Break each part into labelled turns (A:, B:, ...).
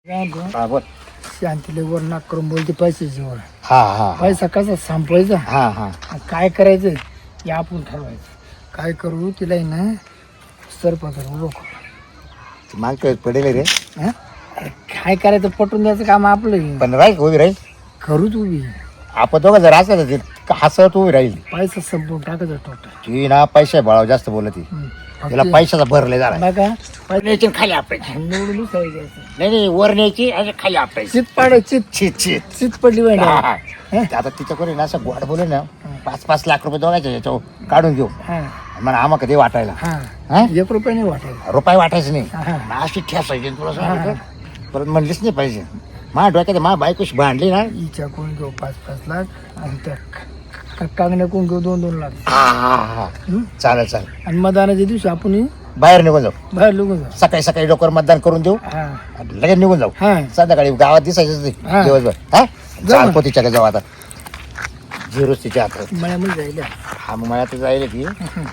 A: हा बोल.
B: शांतीला वर नाक करून बोलते पैशाची वर.
A: हा हा
B: पैसा कसा संपवायचा
A: हा हा
B: आणि काय करायचं हे आपण ठरवायचं. काय करू तिला ना सरपंच उभं करू.
A: माग पडेल रे
B: हं? अरे काय करायचं पटून द्यायचं काम आपलं आहे.
A: पण राहील उभी राहील.
B: करूच उभी.
A: आपण दोघं जर असलं तर हसत उभी राहील.
B: पैसा संपवून टाकायचा टोटल.
A: ती ना पैसे बाळाव जास्त बोलत तिला पैशाचा भरले झाला.
B: बघा
A: न्यायची खाली आपटायची.
B: निवडून द्यायचं.
A: नाही वर न्यायची आणि खाली आपटायची.
B: चित पाडायची
A: चित चित
B: चित पडली पाहिजे.
A: हा, हा. आता तिच्याकडे ना असं गोड बोलू ना 5-5 लाख रुपये दोघायचे याच्यावर काढून घेऊ
B: हा
A: म्हणा आम्हा कधी वाटायला
B: हा
A: हा?
B: 1 रुपया नाही वाटायला.
A: रुपये वाटायचं नाही
B: हा.
A: अशी ठेसायची तुला सांगतो. परत म्हणलीच नाही पाहिजे. माझ्या डोक्यात माझ्या बायकोशी भांडली ना
B: हिच्या कोण घेऊ 5-5 लाख आणि त्या कागण्या कोण घेऊ 2-2 लाख.
A: हा हा हा चालेल चालेल.
B: आणि मतदानाच्या दिवशी आपण
A: बाहेर निघून जाऊ.
B: बाहेर लोक जाऊ.
A: सकाळी सकाळी डोकर मतदान करून देऊ
B: हा
A: आणि लगेच निघून जाऊ.
B: हा
A: संध्याकाळी गावात दिसायचंच
B: हा.
A: नाही दिवसभर. हा
B: जाऊ
A: चाल
B: ना.
A: पोतीच्या जाऊ आता झिरोच तिच्या हातात.
B: मळ्यामध्ये जायला
A: हा मग मला तर जाईल की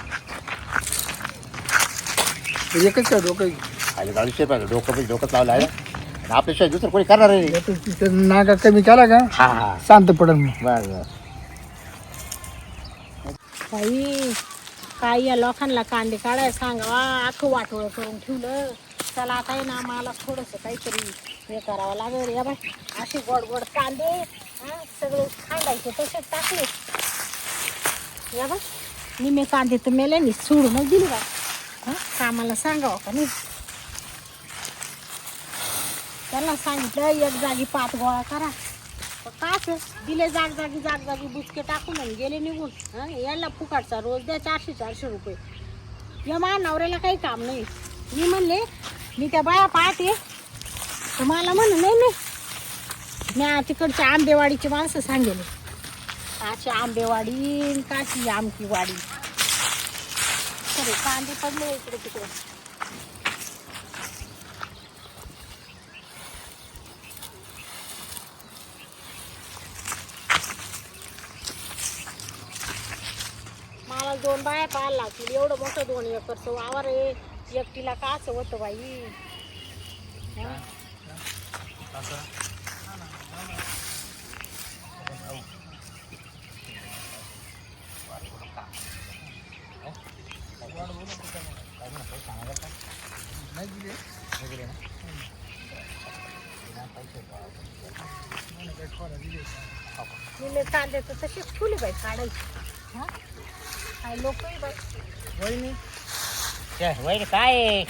B: एकच का डोकं
A: खाली गाडी शेप आहे डोकं डोकंच लावलं आहे आणि आपल्याशिवाय दुसरं कोणी करणार आहे.
B: तिथं नागा कमी केला का
A: हा हा
B: शांत पडल मग.
A: बस बस.
C: बाई काय या लोकांना कांदे काढायला सांगावा अख्खं वाटोळं करून ठेवलं. चला आता आहे ना मला थोडंसं काहीतरी हे करावं लागेल. या बाई असे गोड गोड कांदे सगळे खांडायचे तसेच टाकले. या बाई निमे कांदे तर मेल्याने सोडूनच दिली बा. कामाला सांगावं का नाही. त्यांना सांगितलं एक जागी 5 गोळा करा. काच दिले जागी बुचके टाकून आणि गेले निघून. याला फुकाटचा रोज द्या 400-400 रुपये. या माझ्या नवऱ्याला काही काम नाही. मी म्हणले मी त्या बाया पाहते तर मला म्हण नाही मी तिकडच्या आंबेवाडीची माणसं सांगेले काची आंबेवाडी काची आमकी वाडी. सरे कांदे पडले इकडे तिकडे. मला 2 बाया पाहायला लागतील. एवढं मोठं 2 एकरचं वावर आहे. एकटीला काच होतं बाई. निमे कांदे तर तसेच फुले बाई काढायची. काय लोक बाई
B: वहिनी
A: वैर काय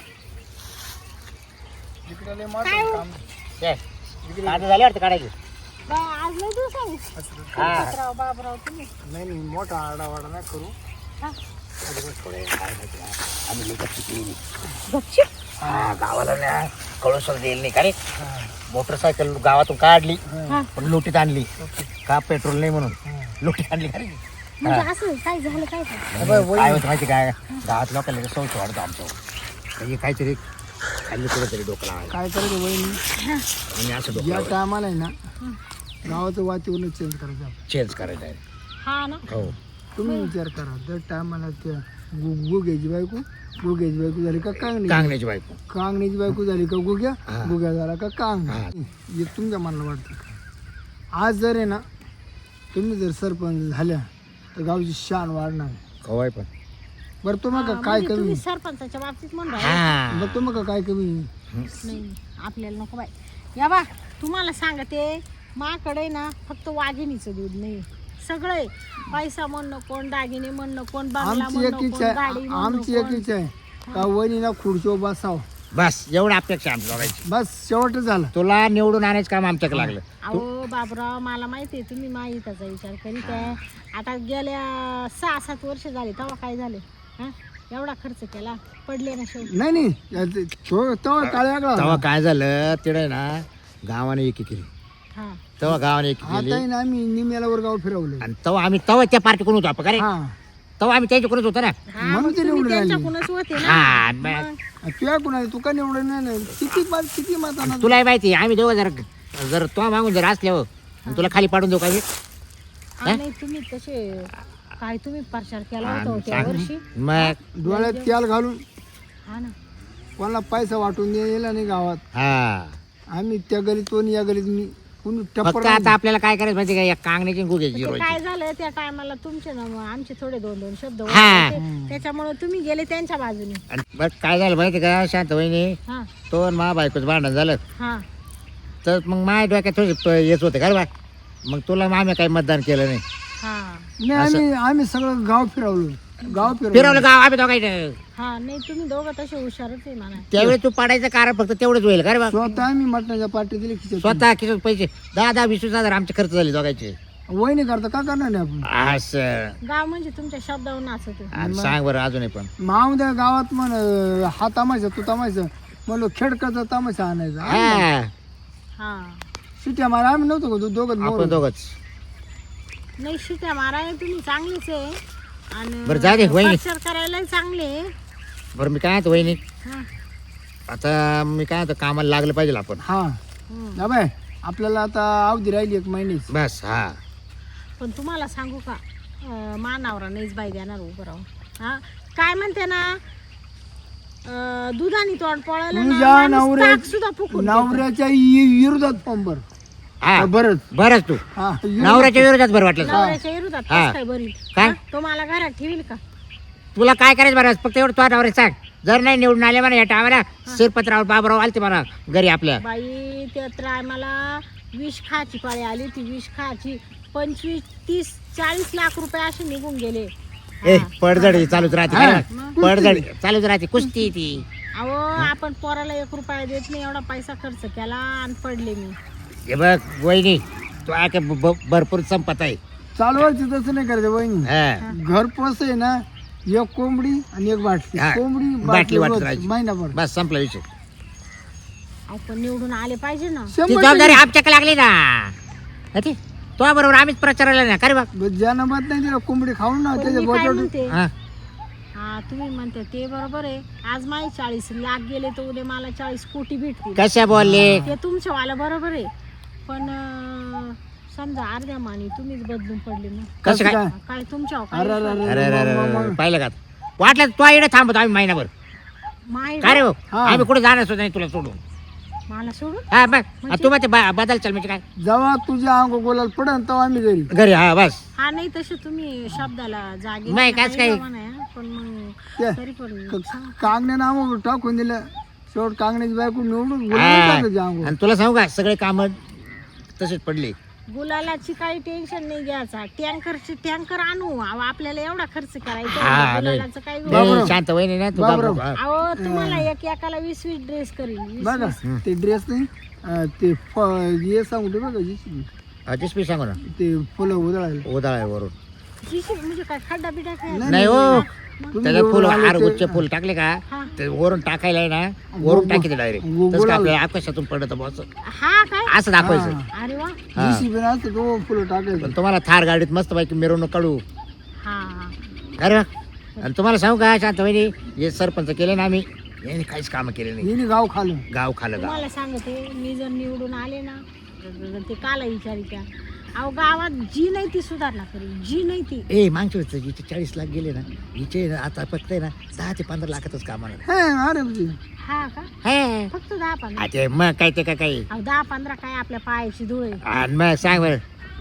B: इकडे लय
C: काय
B: मोठं
C: हो?
B: काम.
A: कांदे झाले वाटतं काढायचे.
C: बाई आज लय दिवसांनी
A: हा.
C: राव बाबराव तुम्ही
B: नाही नाही मोठा आडावाडा नाही करू.
C: हा.
A: आम्ही लोकांची केली.
C: गपची
A: हा गावाला ना कळूसर देईल नाही का रे. मोटरसायकल गावातून काढली
C: हा.
A: पण लोटीत आणली का पेट्रोल नाही म्हणून लोटीत आणली का रे.
C: म्हणजे असं काय झालं काय झालं?
A: काय होतं माहिती काय गावात लोकांना सौच वाढतो आमचं म्हणजे काहीतरी खाल्ली कुठेतरी डोकं लावायला
B: काय करायचं वहिनी
A: आणि असं डोकं
B: या
A: लावायचं.
B: टायमाला आहे ना गावाचं वातावरण चेंज करायचं आपण.
A: चेंज करायचं आहे.
C: हा ना
A: हो
B: तुम्ही विचार करा दर टायमाला त्या गुग्याची बायको झाली का कांगणी
A: कांगण्याची बायको
B: कांगण्याची बायको झाली का गुग्या
A: हा.
B: गुग्या झाला का कांग.
A: हा.
B: हे तुमच्या मनाला वाटतं का आज जर आहे ना तुम्ही जर सरपंच झाल्या तर गावची शान वाढणार.
A: खवाय पण
B: बरं तुम्हाला
C: हा,
B: का काय
C: म्हणजे
B: कमी
C: तुम्ही सरपंचाच्या बाबतीत म्हणून
A: हा
B: बरं तुम्हाला का काय कमी
C: नाही आपल्याला नको बाई. या बा तुम्हाला सांगते माकडे ना फक्त वाघिणीचं दूध नाही सगळं आहे. पैसा म्हणणं कोण दागिने म्हणणं कोण बंगला
B: आमची
C: म्हणणं
B: एकीच
C: कोण गाडी
B: आहे
C: म्हणणं
B: आमची
C: कोण.
B: एकीच आहे का वहिनीला खुर्चीवर बसाव
A: बस एवढं अपेक्षा आमच्या दोघांची.
B: बस शेवट झालं.
A: तुला निवडून आणायचं काम आमच्याकडे लागलं.
C: अहो बाबराव मला माहिती आहे तुम्ही माहितीचा विचार करीत आहे. आता गेल्या 6-7 वर्ष झाले तेव्हा काय झाले हा एवढा खर्च केला पडले ना शेवटी.
B: नाही नाही तो काळ्या
A: तेव्हा काय झालं तिकडे ना गावाने एकी केली.
C: हा
A: तेव्हा गावाने एकी केली
B: आता ना आम्ही निम्याला गाव फिरवले.
A: आणि तेव्हा त्या पार्टी कोण होतो आपण का रे.
B: हा
A: तेव्हा आम्ही त्याच्याकडूनच होतो ना.
C: हा
B: म्हणून
C: मग
B: ते
C: तुम्ही
B: निवडून आले.
C: त्यांच्याकडूनच होते ना.
A: हा
C: मग.
B: तुझ्या कुणा तू का निवडून नाही किती माताना
A: तुला माहिती आम्ही दोघं जर तो मागून जर असल्यावर आणि तुला खाली पाडून देऊ का मी.
C: हा, नाही तुम्ही तसे काय तुम्ही प्रचार केला होता त्या वर्षी.
A: मग
B: डोळ्यात तेल घालून
C: हा ना
B: कोणाला पैसा वाटून दिला नाही गावात.
A: हा
B: आम्ही त्या गलीत या गलीत मी कुणी
A: फक्त
B: टप्पर
A: आता आपल्याला काय करायचं माहिती का, या कांगण्याची गुगे
C: ते काय झालं त्या टायमाला तुमचे ना मग आमचे थोडे 2-2 शब्द
A: हा.
C: होते. त्याच्यामुळे तुम्ही गेले त्यांच्या बाजूने.
A: बस काय झालं माहिती का शांत वहिनी,
C: हा
A: तो आणि मा बायकोच भांडण झालं,
C: हा
A: तर मग माझ्या डोक्यात थोडी येत होते का बा, मग तुला आम्ही काही मतदान केलं नाही.
C: हा
B: नाही आम्ही सगळं गाव फिरवलं
A: फिरवलं गाव आम्ही दोघांचं.
C: हा नाही तुम्ही दोघं तसे हुशारच आहे म्हणा.
A: त्यावेळी तू पाडायचं कारण फक्त तेवढंच होईल का रे बा.
B: स्वतः आम्ही मटणाच्या पाठी दिली खिचत
A: स्वतः किती पैसे 10-20 हजार आमचे खर्च झाले दोघांचे.
B: वहिनी करता का करणार नाही आपण
A: असं
C: गाव म्हणजे तुमच्या शब्दावर नाचत आहे.
A: आणि सांग बरं अजूनही पण
B: मावद्या गावात म्हण हा तमाशा तू तमाशा म्हणलो खेडकाचा तमाशा आणायचा
A: हा
C: हा
B: सिट्या मारा आम्ही नव्हतो का दोघं
A: आपण दोघच.
C: नाही शिट्या मारायला तुम्ही चांगलीच आहे आणि
A: बरं जा दे वहिनी.
C: प्रचार करायला चांगले आहे.
A: बरं मी काय म्हणतो वहिनी,
C: हा.
A: आता मी काय म्हणतो कामाला लागलं पाहिजे आपण.
B: हा
C: हम्म.
B: ना बाय आपल्याला आता अवधी राहिली 1 महिन्याची.
A: बस हा
C: पण तुम्हाला सांगू का मानावरा नाहीच बाई देणार उभं राहून. हा काय म्हणते ना दुधानी तोंड पळालं ना,
B: तुझ्या
C: माणूस ताक सुद्धा फुकून देतं.
B: नवऱ्याच्या विरोधात पंबर
A: हा
B: बरंच
A: बरंच तू
B: हा
A: नवऱ्याच्या विरोधात बरं वाटलं.
C: नवऱ्याच्या विरोधात
A: हा.
C: कसं काय बरी
A: काय?
C: हा? तो मला घरात ठेवील का?
A: तुला काय करायचं बरं फक्त एवढं तुझ्या नवऱ्याला सांग, जर नाही निवडून आले म्हणा या टायमाला शिरपतराव बाबराव आलते म्हणा घरी आपल्या.
C: बाई ते तर मला विष खायची पाळी आली ती विष खायची 25, 30, 40 लाख रुपये असे निघून गेले.
A: ए पडझड ही चालूच राहते काय बा? पडझड चालूच राहते कुस्ती ती.
C: अहो आपण पोराला 1 रुपया देत नाही एवढा पैसा खर्च केला आणि पडले मी.
A: हे बघ वहिनी तू आहे भरपूर संपत आहे.
B: चालवायची तसं नाही करायचं वहिनी.
A: हा.
B: घर पोस आहे ना 1 कोंबडी आणि 1 बाटली
A: हा.
B: कोंबडी
A: बाटली वाटत
B: रोज,
A: राहायची.
B: महिनाभर
A: बस संपला विषय.
C: आपण निवडून आले पाहिजे ना.
A: ती
B: 100
A: जबाबदारी आमच्याकडे लागली ना. हा ती तो बरोबर आम्हीच प्रचाराला ना करे बा.
B: ज्यानं मत नाही दिलं कोंबडी खाऊन ना
C: पण
B: त्याच्या
C: मी काय
B: बोटावर
C: म्हणते
A: हा.
C: हा तुम्ही म्हणते ते बरोबर आहे. आज माझे 40 लाख गेले तर उद्या मला 40 कोटी भेटतील.
A: कशा बोलले
C: ते तुमच्या वाला बरोबर आहे पण समजा अर्ध्या मानी तुम्हीच बदलून पडले मग
A: कसं काय
C: काय तुमच्या
B: अरे अरे अरे
A: अरे अरे अरे पाहिलं का वाटलं तो इकडे थांबतो आम्ही महिनाभर
C: माय
A: काय रे भाऊ?
B: हा.
A: आम्ही कुठे जाणार सुद्धा नाही तुला सोडून.
C: मला सोडून
A: हा बघ तू मग बदल चल म्हणजे काय
B: जेव्हा तुझ्या अंग गोलाल पडन तेव्हा आम्ही घरी
A: घरी हा बस.
C: हा नाही तसे तुम्ही शब्दाला जागे
A: नाही, काहीच काही.
C: पण मग
B: ते-
C: तरी पण
B: कांगण्या नाव टाकून दिलं शेवट कांगण्याची बायको निवडून
A: हा.
B: अंग
A: आणि तुला सांगू का सगळे काम तसेच पडले.
C: गुलालाची काही टेन्शन नाही घ्यायचा. टँकर आणू अहो, आपल्याला एवढा खर्च करायचा
A: हा,
C: आहे.
A: नाही.
C: गुलालाचं काही
A: नाही, शांत वहिनी ना तू
B: बाबराव.
A: घाबरू. हा.
C: अहो तुम्हाला एकाला 20 ड्रेस करील 20.
B: बघा ते ड्रेस नाही ते हे सांगू दे बघा
A: हा, तेच मी सांगू ना
B: ते फुलं उधळायला
A: उदाळ आहे वरून
C: म्हणजे काय खड्डा बिड्डा काय
A: नाही हो
B: तुम्ही
A: त्याच्या फुल
B: एवढं आले
A: हार
B: ते-
A: गुच्छ फुल टाकले का
C: हा.
A: ते वरून टाकायला आहे ना वरून टाकी डायरेक्ट तसं
B: गोलाल.
A: का आपल्या आकाशातून पडत बस
C: हा काय
A: असं दाखवायचं.
C: अरे वा
A: हा.
B: जीसीबी असतं तो फुलं टाकायचं
A: पण तुम्हाला थार गाडीत मस्त पैकी मिरवणूक काढू
C: हा
A: अरे वा. आणि तुम्हाला सांगू का शांत वहिनी हे सरपंच केले ना आम्ही यांनी काहीच काम केले नाही.
B: हिने गाव खाल्लं
A: गाव खालं गाव
C: तुम्हाला सांगते मी जर निवडून आले ना ते काला विचारित्या अहो गावात जी नाही ती सुधारणा करेल जी नाही ती.
A: ए मागच्या वेळेस हिचे 40 लाख गेले ना हिचे आता फक्त आहे ना 10 ते 15 लाखातच काम आहे.
B: हे अरे म्हणजे
C: हा का
A: हे.
C: फक्त 10-15
A: आ ते मग काय ते काय
C: अहो 10-15 काय आपल्या पायाची धूळ आहे.
A: आणि मग सांग बरं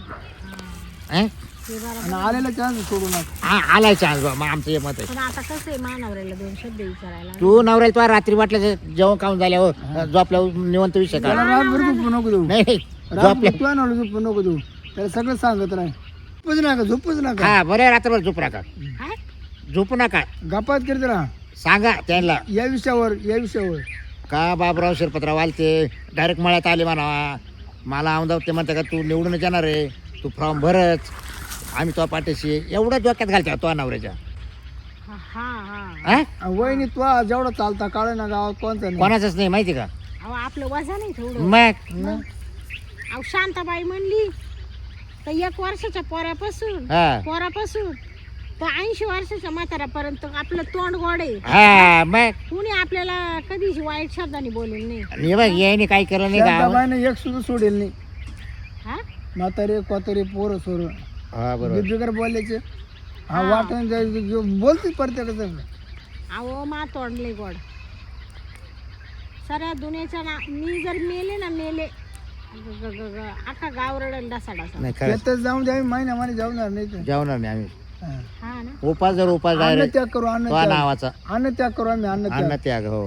A: हं?
C: ते बरोबर.
B: आणि आलेला चान्स सोडू नका
A: हा आलाय चान्स मग आमचं हे मत आहे.
C: पण आता कसं आहे मानवऱ्याला 2 शब्द विचारायला
A: तू नवऱ्याला तुला रात्री वाटलं जेवण खाऊन झाल्यावर झोपल्यावर निवंत विषय का
B: त्याला रातभर झोपू नको देऊ
A: नाही नाही.
B: रातभर
A: झोपल्या
B: तू आणलं झोपू नको देऊ त्याला सगळं सांगत राह झोपूच नका झोपूच नका
A: हा बरं रात्रभर झोपू नका
C: काय
A: झोपू नका
B: गपात करत राहा
A: सांगा त्यांना
B: या विषयावर
A: का बाबराव शिरपतराव आलते डायरेक्ट मळ्यात आले म्हणावा मला आमदार ते म्हणते का तू निवडून येणार आहे तू फॉर्म भरच आम्ही तो पाठीशी एवढं डोक्यात घालते तो नवऱ्याच्या
C: हा हा हा
A: हा
B: वहिनी तू जेवढा चालता काळ ना गावात कोणता नाही
A: कोणाचंच नाही माहिती का
C: अहो आपलं वजन नाही थोडं.
A: मग
C: अहो शांताबाई म्हणली तर 1 वर्षाच्या पोरापासून
A: हा
C: तर 80 वर्षाच्या म्हाताऱ्यापर्यंत आपलं तोंड गोड आहे.
A: हा मग
C: कुणी आपल्याला कधीच वाईट शब्दाने बोलेल नाही.
A: आणि हे बघ याने काही केलं नाही का
B: बाबाने एक सुद्धा सोडेल नाही
C: हा
B: म्हातारे कोतारे पोरं सोर
A: हा बरोबर
B: बिगर बोलायचे हा वाटण बोलते प्रत्येकाचं
C: अहो मा तोंडले गोड साऱ्या दुनियाच्या मी जर मेले ना मेले अख्खा गाव रडेल डासा डासा.
A: नाही खरं
B: त्यातच जाऊन द्या महिन्यामध्ये जाऊणार नाही तर.
A: जेवणार नाही आम्ही.
B: हा.
C: हा ना.
A: उपास जर उपास
B: अन्न
A: डायरेक्ट
B: त्याग करू अन्न
A: तो
B: त्याग.
A: नावाचा
B: अन्न त्याग करू आम्ही अन्न
A: अन्न
B: त्याग.
A: त्याग. हो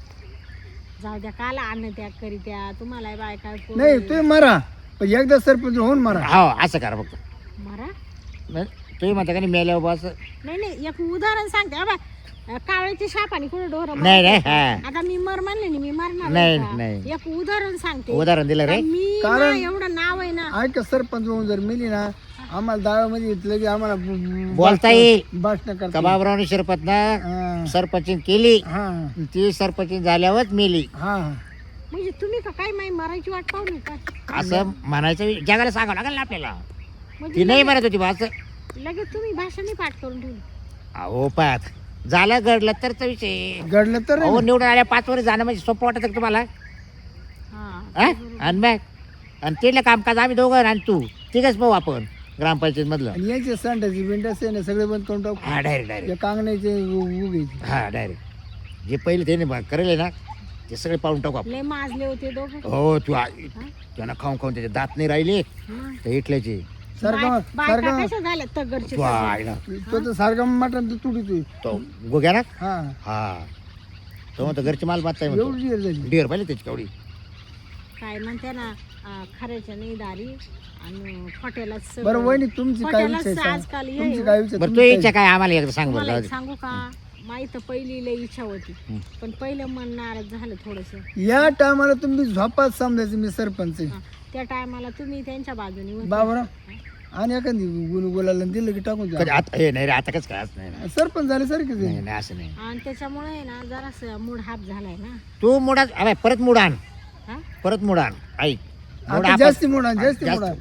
C: जाऊ द्या काला अन्न त्याग करी त्या तुम्हाला बायका
B: नाही तुम्ही मारा पण एकदा सरपंच होऊन मारा.
A: हो असं करा फक्त.
C: मारा.
A: नाही, तुम्ही म्हणता का नाही मेल्या बस.
C: नाही नाही एक उदाहरण सांगते हा बाय. कावळ्याची शापाने कुठे डोर
A: नाही नाही हा
C: आता मी मर म्हणले नाही मी मरणार
A: नाही,
C: का?
A: नाही.
C: एक उदाहरण सांगते
A: उदाहरण दिलं रे.
C: मी
B: कारण-
C: ना एवढं नाव आहे ना
B: ऐका सरपंच होऊन जर मिली ना आम्हाला दाव्यामध्ये घेतलं की आम्हाला
A: बोलता येईल
B: भाषण
A: का
B: करता.
A: बाबरावने शिरपतनं
B: हा
A: सरपंच केली.
B: हा
A: ती सरपंच झाल्यावरच मेली
B: हा
C: म्हणजे तुम्ही का काय माही मरायची वाट पाहू काय
A: असं म्हणायचं जगाला सांगावं लागेल ना आपल्याला.
C: म्हणजे
A: ती नाही म्हणत होती बा असं.
C: लगेच तुम्ही भाषण पाठ करून ठेवली.
A: अहो पाहत झालं घडलं तरचा विषय.
B: घडलं तर
A: अहो निवडून आल्या 5 वर्ष जाणं म्हणजे सोपं वाटत का तुम्हाला.
C: हा
A: हा? आणि मग आणि तिथलं कामकाज आम्ही दोघं आणि तू तिघच पाहू आपण ग्रामपंचायत मधलं.
B: आणि याचे संडाची बिंडाचे आहे ना सगळे बंद करून टाकू.
A: हा डायरेक्ट डायरेक्ट.
B: या कांगण्याचे उघायचे.
A: हा डायरेक्ट जे पहिले त्याने करेल ना ते सगळे पाळून टाकू आपण.
C: लय माजले होते दोघं.
A: हो तू त्यांना खाऊन खाऊन त्याचे दात नाही राहिले
C: मग
A: तर इटल्याचे.
B: सारखं
C: बायका
B: सारखं
C: कशा झाल्या तगरचे
A: तू आईला
B: तो तर सारखं मटण तुडीतोय.
A: तो गोग्या ना.
B: हा
A: हा तो म्हणतो घरची माल बांधताय म्हणतो.
B: एवढी वेळ झाली.
A: डिअर पाहिजे त्याची कवडी.
C: काय म्हणते ना खऱ्याच्या नाही दारी आणि खोट्यालाच
B: बरं वहिनी तुमची काय
C: खोट्यालाच
B: विचार सांगा.
C: आजकाल हे
B: तुमची काय विचार
A: बरं तू
B: तुमची
A: इच्छा काय आम्हाला एकदा सांग बरं.
C: मला
A: जाऊ
C: एक
A: दे.
C: सांगू का माहित पहिली लय इच्छा होती
A: हं.
C: पण पहिलं मन नाराज झालं थोडस.
B: काय? या टायमाला तुम्ही झोपात समजायचं मी सरपंच आहे.
C: त्या टायमाला तुम्ही त्यांच्या बाजूने होते.
B: बाबरा आणि एखादी गुलाला दिलं की टाकून
A: कधी
B: द्या.
A: आता हे नाही रे आता कसं काय असं नाही ना.
B: सरपंच झाले सारखेच
A: नाही
B: आहे.
A: नाही असं नाही.
C: आणि त्याच्यामुळे आहे ना जरासं मूड हाफ झालाय ना.
A: तू मुडा अरे परत मुड आण.
C: हा?
A: परत मुड आण. ऐक मुड
B: आता
A: आपण-
B: जास्ती मोडा जास्ती
A: जास्त.
B: मोडा.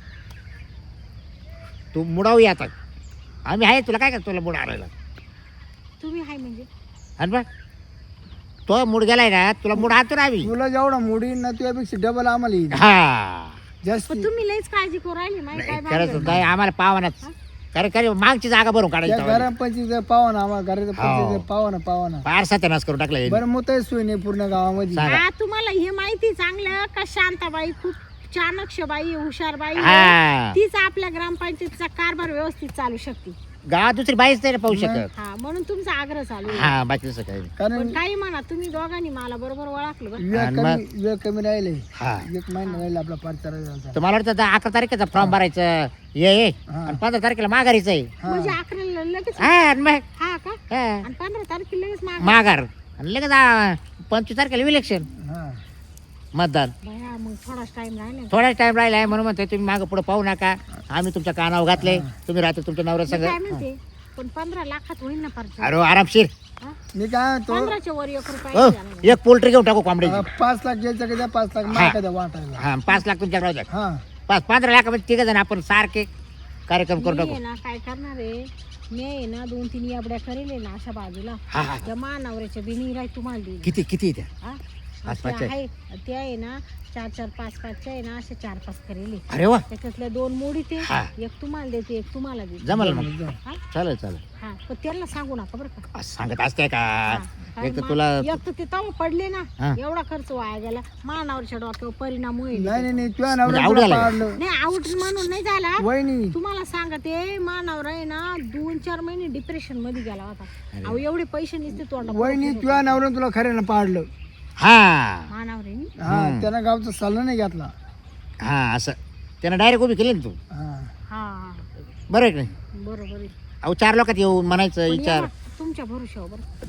A: तू मुडावी आता. आम्ही आहे तुला काय करतो तुला मुड आणायला.
C: तुम्ही हाय म्हणजे
A: आणि बघ तो मूड गेलाय ना तुला मूड आणतो ना आम्ही.
B: तुला जेवढा मोडी ना तुझ्यापेक्षा डबल आम्हाला येईल
A: हा
B: जास्ती.
C: पण तुम्ही लयच काळजी करू राहिली माहिती काय
A: खरंच
C: भानगड?
A: नाही आम्हाला पावानाच. खरे मागची जागा भरून
B: त्या
A: काढायची.
B: घरापंची पावा ना आम्हाला घराचं
A: हो.
B: पंचायत पावा ना.
A: फार सत्यानाश करून टाकला यांनी.
B: बरं मग सोय नाही पूर्ण गावामध्ये.
A: सांगा.
C: हा तुम्हाला हे माहिती चांगलं का शांताबाई खूप चाणक्य बाई हुशार बाई आहे.
A: हा
C: तीच आपल्या ग्रामपंचायतीचा कारभार व्यवस्थित चालू शकते.
A: गावात दुसरी बाईच नाही रे पाहू शकत.
C: हा म्हणून तुमचा आग्रह चालू आहे.
A: हा बाकी तसं काही नाही.
B: कारण
C: पण काही म्हणा तुम्ही दोघांनी मला बरोबर ओळखलं बरं.
B: वेळ कमी राहिले.
A: हा
B: एक महिना राहिला आपला पाच
A: तर मला वाटतं 11 तारखेचा फॉर्म भरायचं ये
B: हा.
A: आणि 15 तारखेला माघारीचं आहे.
C: म्हणजे 11 लगेच
A: हा आणि मग
C: हा का
A: हा.
C: आणि 15 तारखेला लगेच माग
A: माघार आणि लगेच 25 तारखेला इलेक्शन मतदान.
C: भया मग थोडाच टाइम राहिला.
A: थोडाच टाइम राहिला आहे म्हणून म्हणते तुम्ही मागं पुढे पाहू नका. आम्ही तुमच्या कानावर घातले. तुम्ही राहतो तुमच्या नवऱ्या
C: मी
A: संग.
C: काय म्हणते पण 15 लाखात होईल ना परत.
A: अरे आरामशीर.
B: मी काय तो
C: 15च्या वर 1
A: हो
C: रुपया द्या.
A: एक पोल्ट्री घेऊन टाकू कोंबड्याची.
B: 5 लाख घ्यायचं का द्या 5 लाख माका द्या वाटायला.
A: हा 5 लाख तुमच्या राहू द्या.
B: हा
A: 15 लाखामध्ये 3 जण आपण सारखे कार्यक्रम करून
C: मी
A: टाकू.
C: आहे ना काय करणार आहे मी आहे ना 2-3 याबड्या करेल ना अशा बाजूला.
A: हा हा
C: त्या मानावऱ्याच्या बिनी राय तुम्हाला देईल.
A: किती किती त्या
C: हा?
A: पाच
C: त्या
A: पाचच्या?
C: आहे ते आहे ना 4-4 5-5 आहे ना असे 4-5 करेल.
A: अरे वा
C: त्याच्यातल्या 2 मोडी ते
A: हा.
C: एक तुम्हाला देते एक तुम्हाला देते.
A: जमल मग.
C: हा?
A: चालेल चालेल.
C: हा पण त्यांना सांगू नका बरं का.
A: असं सांगत असते का.
C: हा.
A: एक तर
C: कारण
A: तुला
C: एक तर ते तव पडले ना
A: हा.
C: एवढा खर्च वाया गेला मानावरच्या डोक्यावर परिणाम होईल.
B: नाही नाही तुझ्या
A: म्हणजे
B: नवऱ्याला
A: आवड
B: तुला
A: झालं.
B: पाडलं.
C: नाही आउट म्हणून नाही झाला.
B: वहिनी
C: तुम्हाला सांगते मानावर आहे ना 2-4 महिने डिप्रेशन मध्ये गेला होता. अहो एवढे पैसे नसते तोंडा
B: वहिनी तुझ्या नवऱ्यानं तुला खऱ्यानं पाडलं.
A: हा
C: मानावर आहे नी.
B: हा त्यानं गावचा सल्ला नाही घेतला.
A: हा असं त्यानं डायरेक्ट उभी केली ना तू.
B: हा
C: हा
A: बरं आहे की नाही.
C: बरोबर आहे.
A: अहो 4 लोकात येऊन म्हणायचं
C: पण
A: विचार
C: या तुमच्या भरोशावर बरं.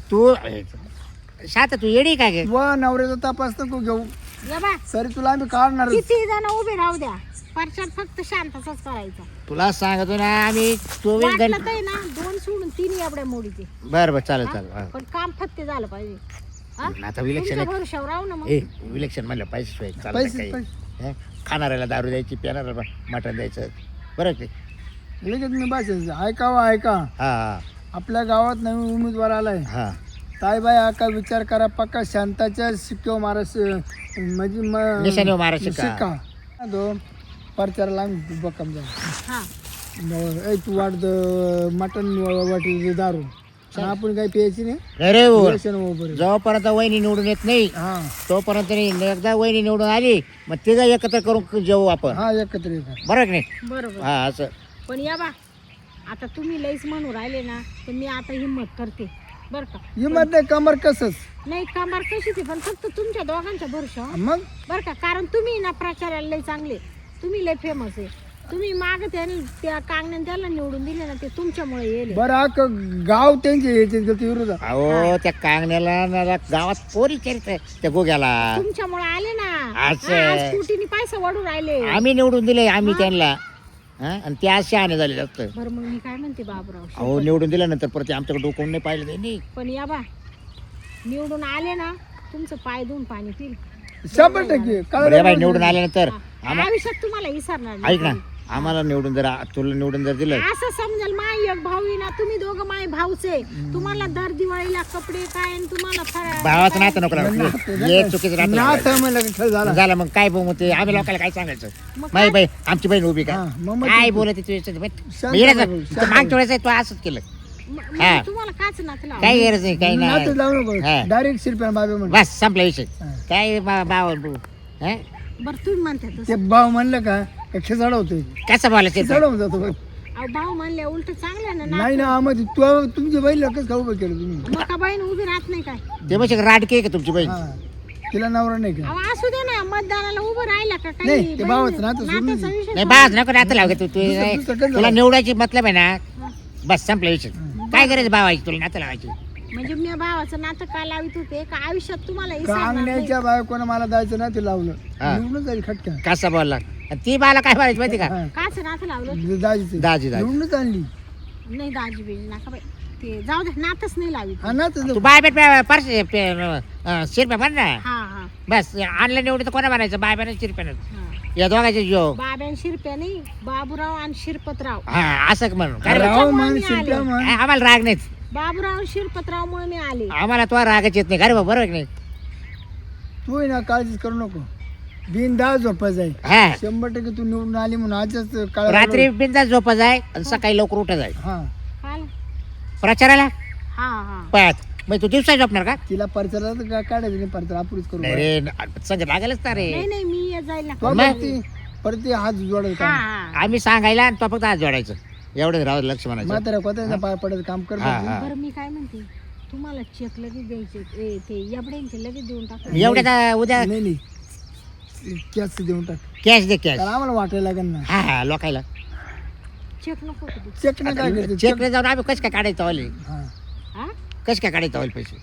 A: तू शाता तू येडी काय गे.
B: व नवऱ्याचा तपास नको घेऊ.
C: या बा
B: सरी तुला आम्ही काढणार.
C: किती जण उभे राहू द्या परचार फक्त शांतचाच करायचा.
A: तुला सांगतो ना आम्ही 24
C: वाटलं
A: घंटे.
C: तर आहे ना 2 सोडून 3 एवढ्या मोडीचे.
A: बरं बरं चालेल चालेल. हा.
C: पण काम फत्ते झालं पाहिजे. हा?
A: आता इलेक्शन
C: तुमच्या
A: आहे.
C: भरोशावर राहू ना मग.
A: ए इलेक्शन म्हणलं पैसे शिवाय चालत
B: पैसे
A: काही. हे? खाणाऱ्याला दारू द्यायची पिणाऱ्याला मटण द्यायचं बरं की.
B: लगेच मी बसायचं ऐकावं ऐका.
A: हा हा
B: आपल्या गावात नवीन उमेदवार आलाय.
A: हा
B: ताईबाई आका विचार करा पक्का शांताच्या शिक्क्यो महाराष्ट्र म्हणजे
A: निशाणीवर महाराज शिक्का.
B: शिक्का दो परचाराला आम्ही बक्कम जाऊ.
C: हा
B: तू वाट मटन वाटी दारू आणि आपण काही प्यायची नाही
A: नाही रे भाऊ.
B: व्यसन हो बरं.
A: जोपर्यंत वहिनी निवडून येत नाही
B: हा
A: तोपर्यंत नाही. एकदा वहिनी निवडून आली मग तिघं एकत्र करून जेवू आपण,
B: हा एकत्र येतात.
A: बरोबर की नाही?
C: बरोबर.
A: हा असं.
C: पण या बा आता तुम्ही लईच म्हणून राहिले ना तर मी आता हिंमत करते बरं का.
B: हिंमत नाही कमर कसच
C: नाही कामार कशी ते पण फक्त तुमच्या दोघांच्या भरोशावर
B: मग
C: बरं का. कारण तुम्ही ना प्रचाराला लय चांगले, तुम्ही लय फेमस आहे. तुम्ही माग त्या कांगण्याने त्याला निवडून दिले ना ते तुमच्यामुळे येईल.
B: बरं गाव त्यांचे यायचे विरोध
A: अहो त्या कांगण्याला ना गावात पोरी चरित्र त्या गोग्याला
C: तुमच्यामुळे आले ना.
A: असं.
C: आज स्कूटीने पैसा वाढून राहिले.
A: आम्ही निवडून दिले आम्ही त्यांना. हा? आणि ते आज शहाणे झाले जास्त.
C: बरं मग मी काय म्हणते बाबराव,
A: अहो निवडून दिल्यानंतर परत आमच्याकडे डोकून नाही पाहिलं त्यांनी.
C: पण या बा निवडून आले ना तुमचं पाय धुवून पाणी पिल.
B: 100%
A: बरं बाई निवडून आल्यानंतर
C: आयुष्यात तुम्हाला विसरणार
A: ऐक ना
C: नाही.
A: आम्हाला निवडून जर तुला निवडून जर दिलं
C: असं समजाल माय एक भाऊ आहे ना, तुम्ही दोघं माय भाऊचे. तुम्हाला दर दिवाळीला कपडे काय आणि तुम्हाला
A: भावाचं नातं नको लागू. हे चुकीचं नातं
B: नाथ
A: लावायचं.
B: म्हणलं खेळ झाला
A: झालं मग काय बोलू ते आम्ही लोकांना काय सांगायचं.
C: मग
A: माही बाई आमची बहीण उभी का
B: हा, मग
A: काय
B: ते-
A: बोलत तू
B: शांत
A: मागच्या वेळेस तू असंच केलं. हा.
C: तुम्हाला काच नातला.
A: काही गरज नाही काही
B: नाथ
A: नाही.
B: लावू नको
A: हा.
B: डायरेक्ट शिरप्या बाबे म्हण
A: बस संपला विषय.
B: हा.
A: काय बाबा
C: बरं तुम्ही म्हणता
B: ते
C: तसं.
B: भाव म्हणलं का खेचाड होतोय
A: कसं बोलायचं
B: खेचाड होऊन जातो बघ.
C: अहो भाऊ म्हणले उलट चांगलं ना.
B: नाही ना आम्ही तुमच्या बहिणीला कसं खाऊ केलं तुम्ही
C: मग का बहीण उभी राहत नाही काय.
A: ते म्हणजे राडके आहे का तुमची बहीण.
B: हा तिला नवरा नाही का
C: अहो असू दे ना मतदानाला उभं राहिला का काही.
B: नाही, ते
C: बहीण-
B: भावाचं नातं सोडून
C: नात्याचा
B: दे.
C: विषय
A: नाही बाज नको नातं लाव तू
B: दुसरं कसं
A: तुला
B: लाव?
A: निवडायची मतलब आहे ना. बस संपला विषय. काय गरज भावायची तुला नातं लावायची.
C: म्हणजे मी भावाचं नातं का लावित होते का आयुष्यात तुम्हाला विसरणार नाही.
B: कांगण्याच्या बायकोनं मला जायचं ना ते लावलं
A: हा.
B: निवडून जाईल खटक्या
A: कसा बोलला आणि ती बाला काय बोलायची माहिती का.
B: हा.
C: काच नातं लावलं.
B: दाजीचं
A: दाजी दाजी
B: निवडूनच आणली
C: नाही दाजी बिजी नका बाई. ते जाऊ दे नातच नाही लावित.
B: हा ना
A: तू बाय बेट शिरप्या म्हण ना.
C: हा हा
A: बस आणलं निवडून तर कोणा म्हणायचं बाय बेट शिरप्यानं.
C: हा.
A: या दोघांचे जो
C: बाब्यान शिरप्या नाही बाबूराव आणि शिरपतराव.
A: हा असं म्हणून काय रे?
B: राव मान
C: आले.
B: शिरप्या मान
A: आम्हाला राग नाहीच.
C: बाबूराव शिरपतरावमुळे मी आले.
A: आम्हाला तो रागच येत नाही. अरे बरोबर आहे की नाही.
B: तू आहे ना काळजीच करू नको बिनदास झोपायचं आहे
A: हा
B: 100% तू निवडून आली म्हणून आजच काळ
A: रात्री बिंदास झोपा जाय आणि सकाळी लवकर उठा जाय
B: हा
C: काल
A: प्रचाराला.
C: हा हा
A: पायात मग तू दिवसा झोपणार का.
B: तिला परचाला तर काढायचं नाही परचाला आपणच करू
A: नाही रे संग लागेलच ना रे.
C: नाही नाही मी येत जाईल ना.
B: तो
A: मग?
B: परत ते हात
C: हा
B: जोडायचं
C: हा.
A: आम्ही सांगायला आणि तो फक्त हात जोडायचं एवढं राहू दे, लक्ष म्हणायचं.
B: म्हाताऱ्या कोत्याचा पाय पडायचं काम कर
A: हा, हा.
C: बरं मी काय म्हणते तुम्हाला चेक लगेच द्यायचे ते याबड्यांचे लगेच देऊन टाका.
A: एवढ्या उद्या
B: नाही नाही कॅश देऊन टाक
A: कॅश दे कॅश.
B: कारण आम्हाला वाटायला लागेल ना
A: हा हा लोकायला
C: चेक नको का देऊ?
B: चेक नाही काय करते
A: चेकने जाऊन आम्ही कसं काय काढायचं वाले
B: हा
C: हा
A: कसं काय काढायचं वाले पैसे.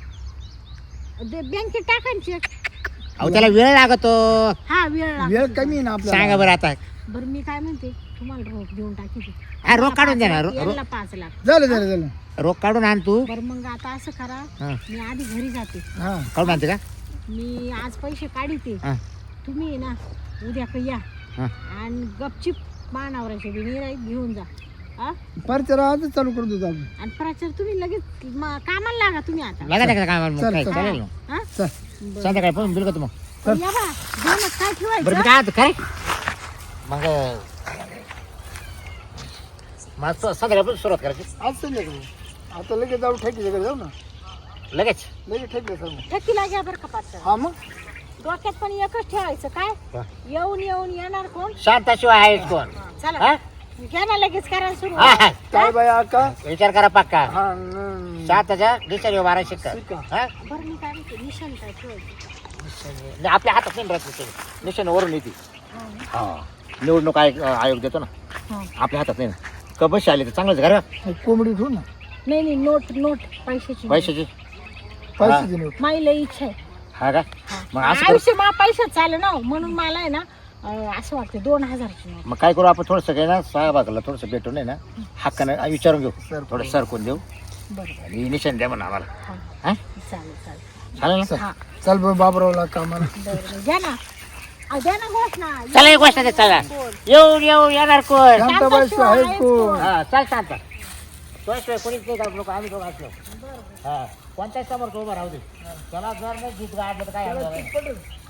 C: बँकेत टाका ना चेक.
A: अहो त्याला वेळ लागतो.
C: हा वेळ लागतो.
B: वेळ कमी आहे ना
A: सांगा
B: आपल्याला
A: बरं आता.
C: बरं मी काय म्हणते तुम्हाला रोख देऊन टाकी ते.
A: हा रोख काढून दे ना.
C: याला 5 लाख.
B: झालं झालं झालं
A: रोख काढून आण तू.
C: बरं मग आता असं करा
A: हा
C: मी आधी घरी जाते.
B: हा
A: काढून आणते का.
C: मी आज पैसे काढीते.
A: हा
C: तुम्ही आहे ना उद्या का या
A: हा
C: आणि गपचिप मानावराचे बिनीराईत घेऊन जा. हा
B: परचाला आजच चालू करत होतो आपण
C: आणि प्रचार तुम्ही लगेच कामाला लागा तुम्ही आता.
A: लागा त्या कामाला मग
B: चल,
A: काय
B: चल.
A: चालेल ना.
C: हा
B: चल
A: संध्याकाळी पण बिल का मग.
C: पण या बा दोनच काय
A: बरं मी
C: ठेवायचं.
A: काय आता काय मग मग संध्याकाळी सुरुवात करायची
B: आज संध्याकाळी आता लगेच जाऊ ठेकीच्याकडे जाऊ ना
A: लगेच.
B: लगेच ठेकलं सर्व
C: ठेकीला घ्या बरं का पाच.
B: हा मग
C: डोक्यात पण एकच ठेवायचं काय
A: हा.
C: येऊन येऊन येणार कोण.
A: शांताशिवाय आहेच कोण.
C: चला
A: हा
C: घ्या ना लगेच करायला सुरू.
A: हा, हा.
B: काय बाई आका
A: विचार करा पक्का.
B: हा
A: शांताच्या डिसेंबर 12 शिक्का.
B: शिक्का.
A: हा
C: बरं मी काय म्हणते निशाण काय ठेवायचं.
A: नाही, आपल्या हातात नाही राहत निशाण वरून येते.
C: हा.
A: हा निवडणूक आयोग देतो ना
C: हा.
A: आपल्या हातात नाही ना. कबशी आली तर चांगलंच घर
B: कोंबडी ठेवू ना
C: नाही नाही नोट पैशाची.
A: पैशाची.
B: पैशाची नोट
C: माझी लई इच्छा आहे.
A: हा का मग असं करू.
C: आयुष्य मला पैशात चालू ना म्हणून मला आहे ना असं वाटतं 2000ची नोट.
A: मग काय करू आपण थोडंसं काय ना साहेबाला थोडंसं भेटून आहे ना हक्कानं विचारून घेऊ.
B: सर.
A: थोडं सरकून देऊ
C: बरोबर.
A: आणि निशाण द्या म्हणा आम्हाला.
C: हा
A: हा
C: चालेल चालेल.
A: चालेल ना.
C: हा
B: चल बाबरावला कामाला
C: बरोबर द्या ना. द्या ना घोषणा.
A: चला एक गोष्ट दे चला येऊन येणार कोण.
B: शांताबाई आहेच कोण
A: हा चाल शांत तो कोणीच नाही का लोक आम्ही दोघं असलो. हा कोणत्याच समोर उभं राहू दे. त्याला जर नाही गीत गायलं तर काय